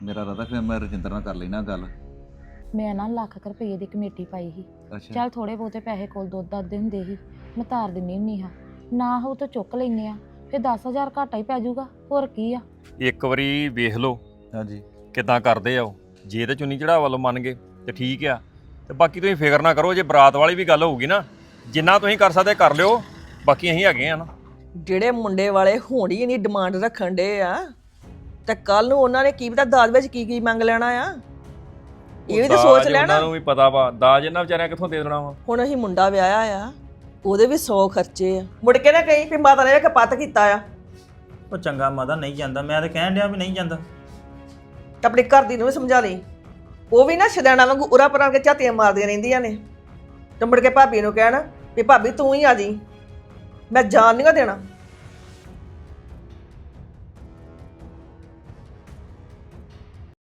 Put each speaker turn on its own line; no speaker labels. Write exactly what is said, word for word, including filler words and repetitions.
ਮੇਰਾ ਰਦਾ ਫਿਰ ਮੈਂ ਰਜਿੰਦਰ ਨਾਲ ਕਰ ਲੈਣਾ ਗੱਲ।
ਮੈਂ ਨਾ ਲੱਖ ਕੁ ਰੁਪਏ ਦੀ ਕਮੇਟੀ ਪਾਈ ਸੀ।
ਅੱਛਾ
ਚੱਲ ਥੋੜੇ ਬਹੁਤੇ ਪੈਸੇ ਕੋਲ ਦੁੱਧ ਦੱਦੇ ਹੁੰਦੇ ਸੀ, ਮੈਂ ਤਾਰ ਦਿੰਨੀ ਹੁੰਨੀ ਹਾਂ। ਨਾ ਹੋ ਤਾਂ ਚੁੱਕ ਲੈਨੇ ਆ, ਫਿਰ ਦਸ ਹਜ਼ਾਰ ਘਾਟਾ ਹੀ ਪੈ ਜਾਊਗਾ, ਹੋਰ ਕੀ ਆ।
ਇੱਕ ਵਾਰੀ ਵੇਖ ਲਓ
ਹਾਂਜੀ
ਕਿੱਦਾਂ ਕਰਦੇ ਆ ਉਹ। ਜੇ ਤੇ ਚੁੰਨੀ ਚੜਾਅ ਵੱਲੋਂ ਮੰਨ ਗਏ ਤੇ ਠੀਕ ਆ, ਤੇ ਬਾਕੀ ਤੁਸੀਂ ਫਿਕਰ ਨਾ ਕਰੋ। ਜੇ ਬਰਾਤ ਵਾਲੀ ਵੀ ਗੱਲ ਹੋਊਗੀ ਨਾ, ਜਿੰਨਾ ਤੁਸੀਂ ਕਰ ਸਕਦੇ ਕਰ ਲਿਓ, ਬਾਕੀ ਅਸੀਂ ਹੈਗੇ ਆ ਨਾ।
ਜਿਹੜੇ ਮੁੰਡੇ ਵਾਲੇ ਹੁਣ ਹੀ ਨਹੀਂ ਡਿਮਾਂਡ ਰੱਖਣ ਡੇ ਆ, ਤੇ ਕੱਲ ਨੂੰ ਉਹਨਾਂ ਨੇ ਕੀ ਪਤਾ ਦਾਜ ਵਿੱਚ ਕੀ ਕੀ ਮੰਗ ਲੈਣਾ ਆ, ਇਹ ਵੀ ਤਾਂ ਸੋਚ
ਦਾਜ
ਲੈਣਾ।
ਉਹਨਾਂ ਨੂੰ ਵੀ ਪਤਾ ਵਾ ਦਾਜ ਇਹਨਾਂ ਵਿਚਾਰਿਆਂ ਕਿੱਥੋਂ ਦੇ ਦੇਣਾ ਵਾ।
ਹੁਣ ਅਸੀਂ ਮੁੰਡਾ ਵਿਆਹਿਆ ਆ, ਉਹਦੇ ਵੀ ਸੌ ਖਰਚੇ ਆ। ਮੁੜ ਕੇ ਨਾ ਕਹੀਂ ਵੀ ਮਾਤਾ ਨੇ ਕਪੱਤ ਕੀਤਾ ਆ।
ਉਹ ਚੰਗਾ ਮਾਤਾ ਨਹੀਂ ਜਾਂਦਾ, ਮੈਂ ਤਾਂ ਕਹਿਣ ਡਿਆ ਵੀ ਨਹੀਂ ਜਾਂਦਾ।
ਤੇ ਆਪਣੀ ਘਰ ਦੀ ਨੂੰ ਵੀ ਸਮਝਾ ਲਈ, ਉਹ ਵੀ ਨਾ ਸ਼ਦੈਣਾ ਵਾਂਗੂ ਉਰਾ ਪਰਾਂ ਕੇ ਝਾਤੀਆਂ ਮਾਰਦੀਆਂ ਰਹਿੰਦੀਆਂ ਨੇ। ਤੇ ਮੁੜ ਕੇ ਭਾਬੀ ਨੂੰ ਕਹਿਣ ਵੀ ਭਾਬੀ ਤੂੰ ਹੀ ਆ ਜੀ, ਮੈਂ ਜਾਣ ਨਹੀਂ ਦੇਣਾ।